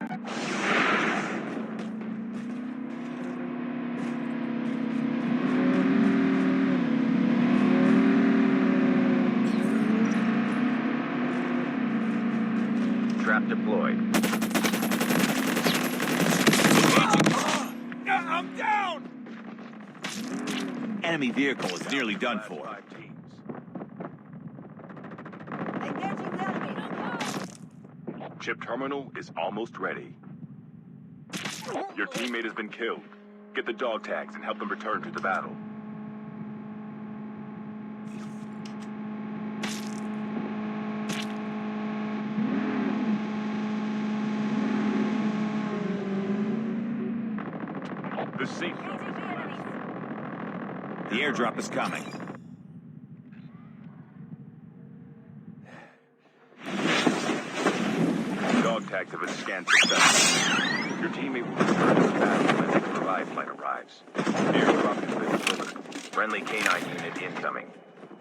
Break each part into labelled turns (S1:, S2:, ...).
S1: Trap deployed.
S2: I'm down!
S3: Enemy vehicle is nearly done for.
S4: Engaging the enemy.
S1: Chip terminal is almost ready. Your teammate has been killed. Get the dog tags and help them return to the battle. The safe zone is collapsed.
S3: The airdrop is coming.
S1: Dog tags have been scanned successfully. Your teammate will return to the battle when the next revive flight arrives. Airdrop has been delivered. Friendly canine unit incoming.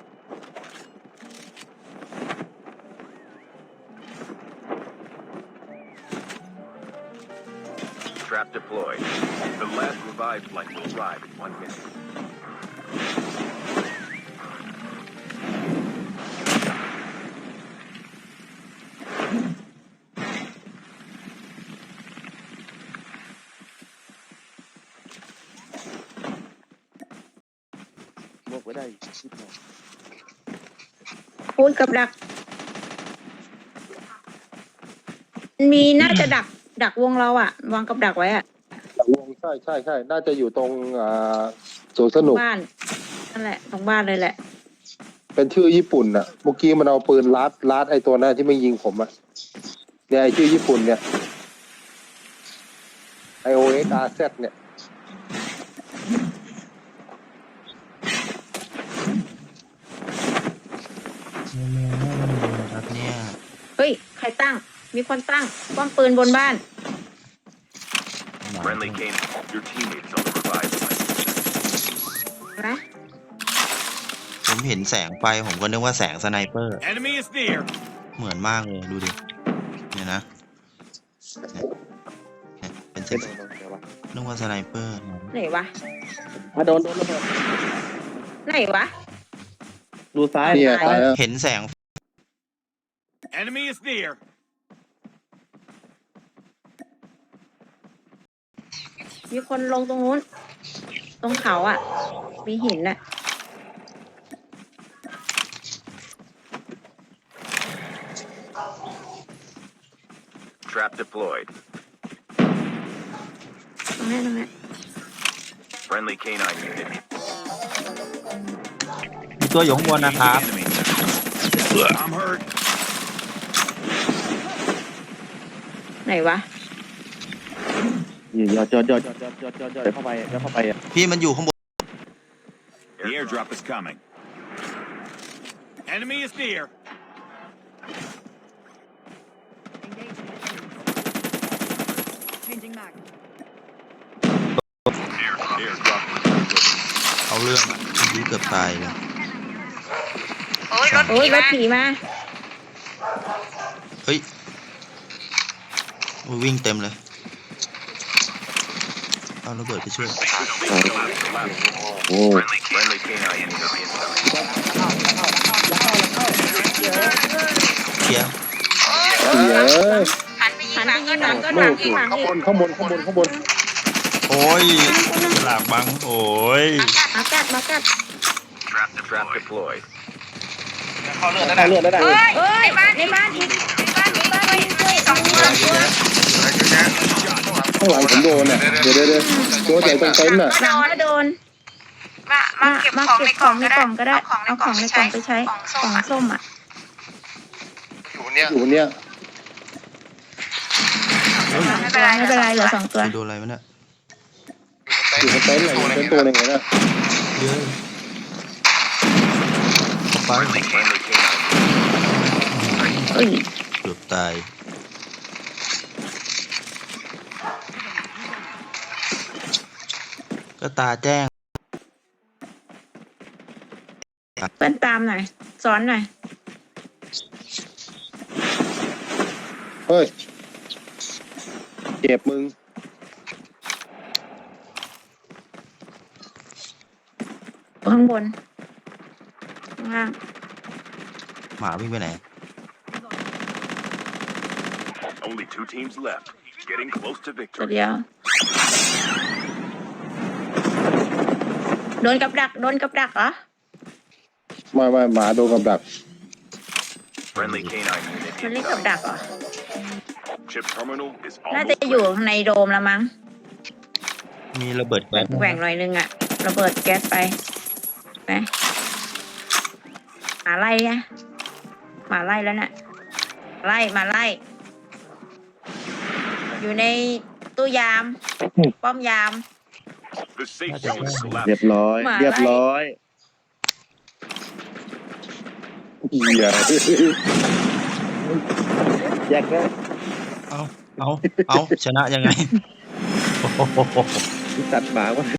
S1: Trap deployed. The last revive flight will arrive in 1 minute.
S5: บอกไว้ได้ชิดหน่อย
S6: พูดกับดัก มีน่าจะดักวงเราอะวางกับดักไว้อะ
S5: วงใช่น่าจะอยู่ตรงสวนสนุก
S6: บ้านนั่นแหละตรงบ้านเลยแหละ
S5: เป็นชื่อญี่ปุ่นน่ะเมื่อกี้มันเอาปืนลัดไอตัวนั้นที่ไม่ยิงผมอะเนี่ยไอชื่อญี่ปุ่นเนี่ย IOSRZ เนี่ย
S7: ครับเนี่ย
S6: เฮ้ย ใครตั้ง มีคนตั้งป้อมปืนบนบ้าน
S1: Friendly canine. Your teammate is on the revive flight.
S6: นะ
S7: ผมเห็นแสงไฟผมก็นึกว่าแสงสไนเปอร์
S3: Enemy is near.
S7: เหมือนมากเลยดูดิเนี่ยนะเนี่ยเป็นแสงนึกว่าสไนเปอร์
S6: ไหนวะ
S5: โดนระเบิด
S6: ไหนวะ
S5: ดูซ้ายเนี่ยตายแล้ว
S7: เห็นแสง
S3: Enemy is near.
S6: มีคนลงตรงนู้น ตรงเขาอะมีหินอะ
S1: Trap deployed.
S6: ตรงนี้
S1: Friendly canine unit.
S7: มีตัวอยู่ข้างบนนะครับ
S3: Enemy. I'm hurt.
S6: ไหนวะ
S5: จอดเข้าไปอ่ะ
S7: พี่มันอยู่ข้างบน
S3: The airdrop is coming. Enemy is near.
S4: Changing mag.
S1: Airdrop.
S7: เอาเรื่องอ่ะยื้อเกือบตายเลย
S6: โอ้ยรถผีมา
S7: เฮ้ยวิ่งเต็มเลยเอาระเบิดไปช่วย
S5: โอ้
S1: Friendly canine unit incoming.
S7: เคลียร์
S6: หันไปยิงหลังก็หลังก็หลังอีกหลังอีก
S5: ข้างบน
S7: โอ้ยฉลากบังโอ้ย
S6: มากัด
S1: Trap deployed.
S5: ได้เลือดได้
S6: เฮ้ยในบ้านอีกสองตัว
S5: ข้างหลังผมโดนอ่ะเดี๋ยวตัวใหญ่ตรงเต็นท์อ่ะ
S6: หลังก็โดนมาเก็บของในกล่องก็ได้เอาของในกล่องไปใช้กล่องส้มอ่ะ
S5: อยู่เนี่ย
S6: ไม่เป็นไรเหลือ2 ตัว
S7: ไปโดนอะไรมันเนี่ย
S5: อยู่บนเต็นท์เลยเป็นตัวหนึ่งเลยนะ
S7: เยอะไป
S1: Friendly canine.
S6: เอ้ย
S7: เกือบตายก็ตาแจ้ง
S6: เปิ้ลตามหน่อยสอนหน่อย
S5: เฮ้ยจ็บมึง
S6: ข้างบนข้างล่าง
S7: หมาวิ่งไปไหน
S1: Only 2 teams left. Getting close to
S6: ตัว
S1: victory.
S6: เดียวโดนกับดักเหรอ
S5: ไม่หมาโดนกับดัก
S1: Friendly canine unit
S6: มันเรียกกับดัก
S1: incoming.
S6: เหรอ
S1: Chip terminal is
S6: น่า
S1: almost
S6: จะอยู่
S1: ready.
S6: ข้างในโดมแล้วมั้ง
S7: มีระเบิดแก๊ส
S6: แหว่งหน่อยนึงอะระเบิดแก๊สไปไหมหมาไล่ไงหมาไล่แล้วน่ะมาไล่ อยู่ในตู้ยาม ป้อมยาม
S1: The safe zone is
S2: เรียบ
S1: collapsing.
S2: ร้อย
S6: หมาไล่
S2: เรียบร้อย
S5: เหี้ย
S2: แยกได้
S7: เอาชนะยังไง โอ้โห
S2: ตัดหมาว่า